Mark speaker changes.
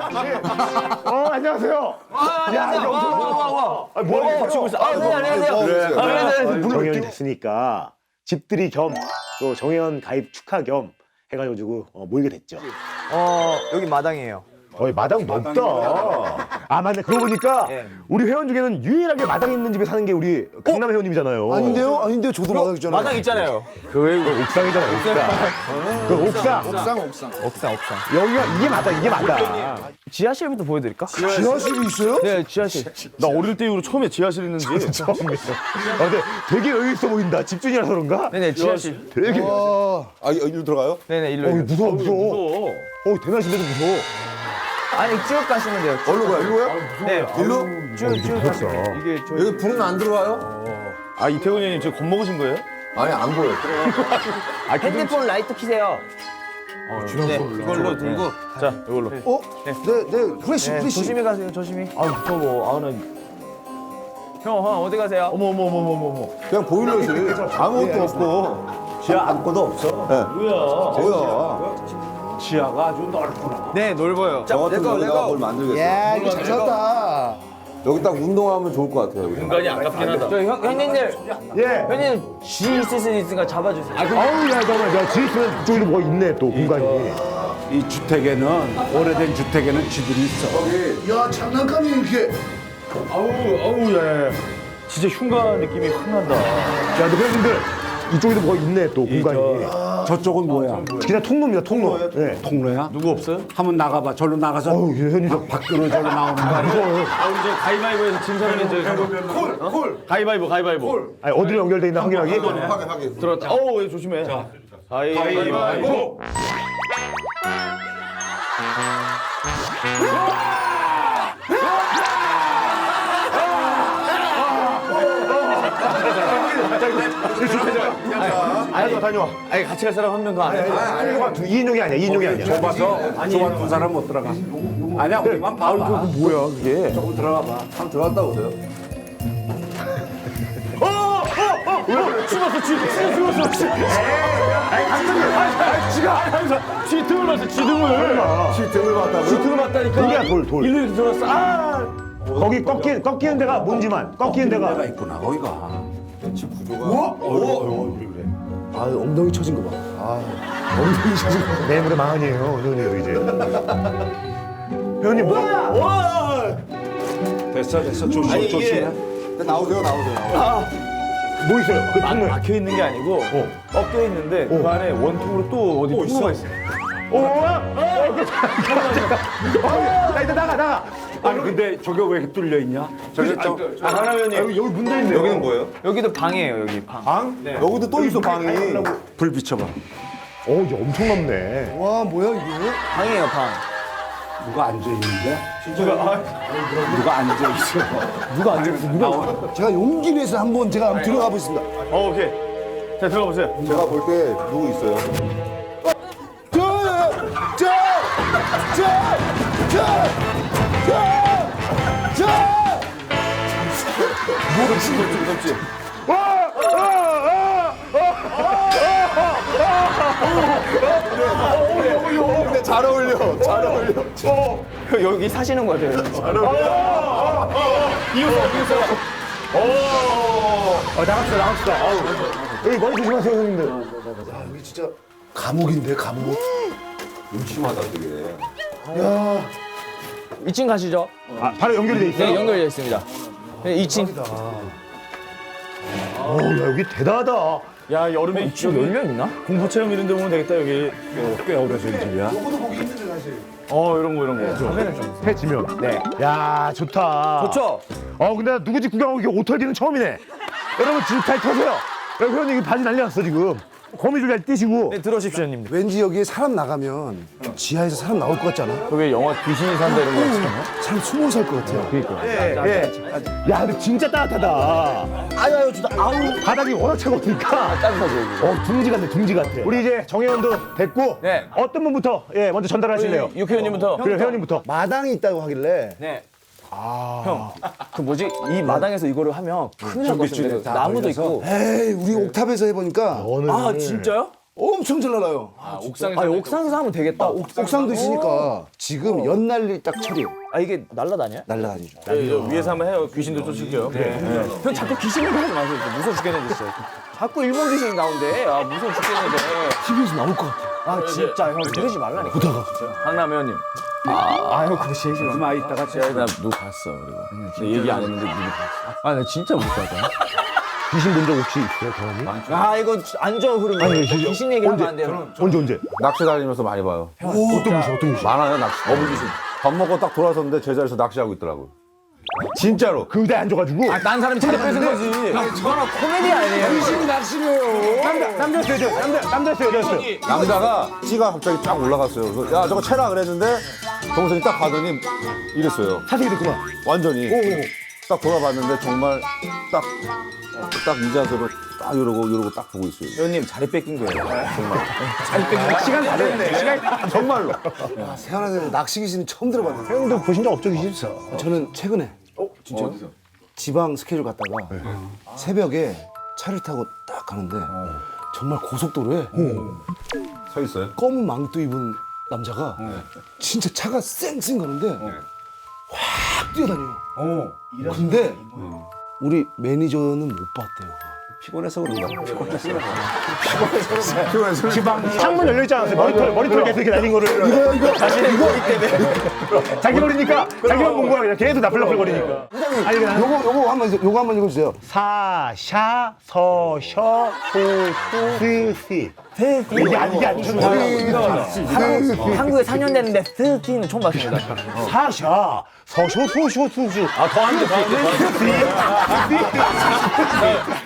Speaker 1: 안녕하세요.
Speaker 2: 안녕하세요. 와.
Speaker 1: 뭐라고
Speaker 2: 맞추고 있어. 네, 안녕하세요.
Speaker 1: 안녕하세요. 정해연이 됐으니까 집들이 겸 또 정해연 가입 축하 겸 해가지고 모이게 됐죠.
Speaker 2: 여기 마당이에요.
Speaker 1: 마당 넓다. 아 맞네. 그러고 보니까
Speaker 2: 예.
Speaker 1: 우리 회원 중에는 유일하게 마당 있는 집에 사는 게 우리 강남 회원님이잖아요.
Speaker 3: 아닌데요? 저도 마당 있잖아요.
Speaker 2: 마당 있잖아요.
Speaker 1: 그 옥상이잖아. 옥상.
Speaker 2: 옥상.
Speaker 1: 여기가 이게 마당.
Speaker 2: 지하실부터 보여드릴까?
Speaker 3: 지하실이 있어요?
Speaker 2: 네, 지하실.
Speaker 4: 나 어릴 때 이후로 처음에 지하실 있는지.
Speaker 1: 처음이에요. 근데 되게 여유 있어 보인다. 집주인이라서 그런가?
Speaker 2: 네네, 지하실.
Speaker 1: 되게.
Speaker 3: 일로 들어가요?
Speaker 2: 네네, 일로.
Speaker 1: 무서워. 대낮인데도 무서워.
Speaker 2: 아니, 쭉 가시면 돼요.
Speaker 3: 어디로 가요? 일로요?
Speaker 2: 네,
Speaker 3: 일로?
Speaker 2: 쭉 가시면. 이게 저희.
Speaker 3: 여기 불은 안 들어와요?
Speaker 4: 아, 이태훈 형님 지금 겁먹으신 거예요?
Speaker 3: 아니, 안 보여.
Speaker 2: 핸드폰 라이트 켜세요. 네, 이걸로 들고.
Speaker 4: 자, 이걸로.
Speaker 3: 네, 프레시.
Speaker 2: 조심히 가세요, 조심히. 아, 무서워. 나. 형, 어디 가세요?
Speaker 4: 어머.
Speaker 3: 그냥 보일러지. 아무것도 없고.
Speaker 5: 지하 아무것도 없어.
Speaker 3: 뭐야?
Speaker 5: 지하가 아주 넓구나.
Speaker 2: 네, 넓어요.
Speaker 3: 저 같은 여기다가 뭘 만들겠어.
Speaker 6: 야, 이거 잘 샀다.
Speaker 3: 여기 딱 운동하면 좋을 것 같아요. 여기.
Speaker 4: 공간이 아깝긴 하다.
Speaker 2: 저 형님들,
Speaker 1: 예.
Speaker 2: 형님 쥐 있을 수 있으니까 잡아주세요.
Speaker 1: 아우 야 잠깐만. 야 집 있으면 그쪽에도 뭐가 있네 또 공간이.
Speaker 5: 이 주택에는 오래된 주택에는 쥐들이 있어.
Speaker 3: 야, 장난감이 이렇게.
Speaker 4: 아우, 야. 진짜 흉가 느낌이 확 난다.
Speaker 1: 야 근데 회원님들 이쪽에도 뭐가 있네 또 공간이.
Speaker 5: 저쪽은 뭐야?
Speaker 1: 그냥 통로입니다 통로. 네.
Speaker 5: 통로야?
Speaker 4: 누구 없어요?
Speaker 5: 한번 나가봐. 절로 나가서
Speaker 1: 아우 회원님 저
Speaker 5: 밖으로 절로 나오는 거 아니야?
Speaker 4: 아, 우리 저 가위바위보에서 진 사람이 저 콜. 가위바위보.
Speaker 1: 아니 어디로 연결돼 있나 확인하기.
Speaker 3: 하게.
Speaker 4: 들어갔다. 얘 조심해. 자, 가위바위보.
Speaker 1: 다녀와.
Speaker 2: 아니, 같이 갈 사람 한 명도 안 해.
Speaker 1: 2인용이 아니야 2인용이 아니야.
Speaker 5: 좁아서 두 사람 못 들어가. 아니야, 우리만 봐봐.
Speaker 1: 뭐야 그게.
Speaker 5: 조금 들어가 봐.
Speaker 3: 한번 들어갔다 오세요.
Speaker 4: 죽었어. 쥐 등을 봤어. 쥐 등을 봤다고요?
Speaker 1: 돌이야 돌.
Speaker 4: 일로 이렇게 들어갔어.
Speaker 1: 거기 꺾이는 데가 뭔지만 꺾이는 데가.
Speaker 5: 내가 있구나, 거기가.
Speaker 3: 집 구조가.
Speaker 6: 엉덩이 쳐진 거 봐.
Speaker 1: 내일모레 망한이에요 회원님도 이제. 회원님 뭐야?
Speaker 5: 됐어. 조심해.
Speaker 3: 나오세요.
Speaker 1: 뭐 있어요? 그 통로에.
Speaker 4: 막혀 있는 게 아니고 꺾여 있는데 그 안에 원통으로 또 어디 통로가 있어.
Speaker 1: 나 이제 나가.
Speaker 5: 아니, 근데 저게 왜 뚫려 있냐?
Speaker 3: 저기
Speaker 1: 여기 문제 있네.
Speaker 3: 여기는 뭐예요?
Speaker 2: 여기도 방이에요, 여기 방.
Speaker 3: 방? 여기도 또 있어 방이.
Speaker 5: 불 비춰봐.
Speaker 1: 이제 엄청 넓네.
Speaker 6: 와, 뭐야, 이게?
Speaker 2: 방이에요, 방.
Speaker 5: 누가 앉아있는데? 누가 앉아있어?
Speaker 2: 누가 앉아있어?
Speaker 6: 제가 용기 내서 한번 들어가 보겠습니다.
Speaker 4: 오케이. 자, 들어가 보세요.
Speaker 3: 제가 볼 때 누구 있어요? 근데 잘 어울려.
Speaker 2: 여기 사시는 거 같아요.
Speaker 1: 나갑시다. 여기 머리 조심하세요 형님들.
Speaker 6: 여기 진짜 감옥인데, 감옥.
Speaker 3: 심하다 되게.
Speaker 2: 2층 가시죠.
Speaker 1: 바로 연결이 돼 있어요.
Speaker 2: 네, 연결되어 있습니다. 네, 2층.
Speaker 1: 야 여기 대단하다.
Speaker 4: 야, 여름에
Speaker 2: 지금 열려 있나?
Speaker 4: 공포 체험 이런 데 오면 되겠다, 여기.
Speaker 5: 꽤 오래된 집이야.
Speaker 4: 이런 거.
Speaker 1: 해 지면.
Speaker 2: 네.
Speaker 1: 야 좋다.
Speaker 2: 좋죠?
Speaker 1: 근데 나 누구 집 구경하고 이렇게 오털기는 처음이네. 여러분 집 잘 터세요. 야, 회원님 이거 바지 난리 났어 지금. 거미줄 잘 뛰시고.
Speaker 2: 네, 들어오십시오, 형님들.
Speaker 6: 왠지 여기에 사람 나가면 지하에서 사람 나올 것 같지 않아?
Speaker 4: 그게 영화 귀신이 산다 이런 거 있잖아.
Speaker 6: 사람 숨어 살 것 같아요.
Speaker 1: 예. 야 근데 진짜 따뜻하다.
Speaker 6: 아유, 좋다. 아우.
Speaker 1: 바닥이 워낙 차가우니까.
Speaker 2: 따뜻하죠, 여기.
Speaker 1: 둥지 같네 둥지 같아. 우리 이제 정혜원도 됐고.
Speaker 2: 네.
Speaker 1: 어떤 분부터 먼저 전달하실래요?
Speaker 2: 육회원님부터.
Speaker 1: 그래 회원님부터.
Speaker 6: 마당이 있다고 하길래.
Speaker 2: 네. 형, 그 뭐지? 이 마당에서 이거를 하면 큰일 날 것 같은데.
Speaker 5: 다
Speaker 2: 나무도
Speaker 5: 걸려서?
Speaker 2: 있고.
Speaker 6: 에이, 우리 옥탑에서 해보니까.
Speaker 1: 오늘
Speaker 2: 아, 진짜요?
Speaker 6: 엄청 잘 날아요.
Speaker 4: 옥상에서
Speaker 2: 옥상에서 하면 되겠다.
Speaker 6: 옥상도 있으니까 지금 연날리 딱 철이에요.
Speaker 2: 아 이게 날라다녀?
Speaker 6: 날라다니죠.
Speaker 4: 위에서 한번 해요. 귀신도 쫓을게요.
Speaker 2: 형 자꾸 귀신 얘기 하지 마세요. 무서워 죽겠는데 진짜. 자꾸 일본 귀신이 나온대. 아 무서워 죽겠는데.
Speaker 6: TV에서 나올 것 같아.
Speaker 2: 아 진짜 형 그러지 말라니까. 보다가.
Speaker 4: 강남 회원님.
Speaker 2: 아형 그거 제일 싫어.
Speaker 5: 좀 이따가
Speaker 4: 나 누구 봤어 그리고. 근데 얘기 안 했는데 누구 봤어.
Speaker 2: 아 나 진짜 못 가다.
Speaker 1: 귀신 본 적 혹시 있어요, 경험이?
Speaker 2: 아 이거 안 좋은 흐름이야.
Speaker 1: 아니, 진짜.
Speaker 2: 귀신 얘기하면 안 돼요.
Speaker 1: 언제?
Speaker 3: 낚시 다니면서 많이 봐요.
Speaker 1: 어떤 귀신?
Speaker 3: 많아요, 낚시. 어부귀신. 밥 먹고 딱 돌아섰는데 제자리에서 낚시하고 있더라고요. 진짜로.
Speaker 1: 그 의대 앉아가지고.
Speaker 2: 딴 사람이 차례 뺏은 거지. 저는 코미디 아니에요.
Speaker 6: 귀신이 낚시래요.
Speaker 1: 남자였어요, 여자였어요?
Speaker 3: 남자가 찌가 갑자기 쫙 올라갔어요. 그래서 야, 저거 채라 그랬는데 동생이 딱 가더니 이랬어요.
Speaker 1: 사색이 됐구나.
Speaker 3: 완전히. 딱 돌아봤는데 정말 딱 이 자세로 딱 이러고 딱 보고 있어요.
Speaker 4: 회원님 자리 뺏긴 거예요.
Speaker 1: 시간 다 됐네. 시간
Speaker 3: 정말로.
Speaker 6: 태어나서 낚시 귀신은 처음 들어봤는데.
Speaker 1: 형도 보신 적 없죠, 귀신?
Speaker 6: 저는 최근에
Speaker 3: 진짜?
Speaker 6: 지방 스케줄 갔다가 새벽에 차를 타고 딱 가는데 정말 고속도로에
Speaker 3: 서 있어요?
Speaker 6: 검은 망토 입은 남자가 진짜 차가 쌩쌩 가는데 확 뛰어다녀요. 근데 우리 매니저는 못 봤대요.
Speaker 3: 피곤해서 그런가?
Speaker 1: 창문 열려 있지 않았어요? 머리털 계속 이렇게 날린 거를. 이거 때문에. 자기 머리니까 자기만 본 거야. 그냥 계속 나플나플거리니까. 아니, 그냥
Speaker 6: 요거 한번 읽어주세요.
Speaker 1: 사, 샤, 서, 셔, 소, 수, 스, 시. 이게 아니죠.
Speaker 2: 한국에 4년 됐는데 스키는 처음 봤습니다.
Speaker 1: 사, 샤, 서, 셔, 소, 셔, 수, 수.
Speaker 4: 아 더한데.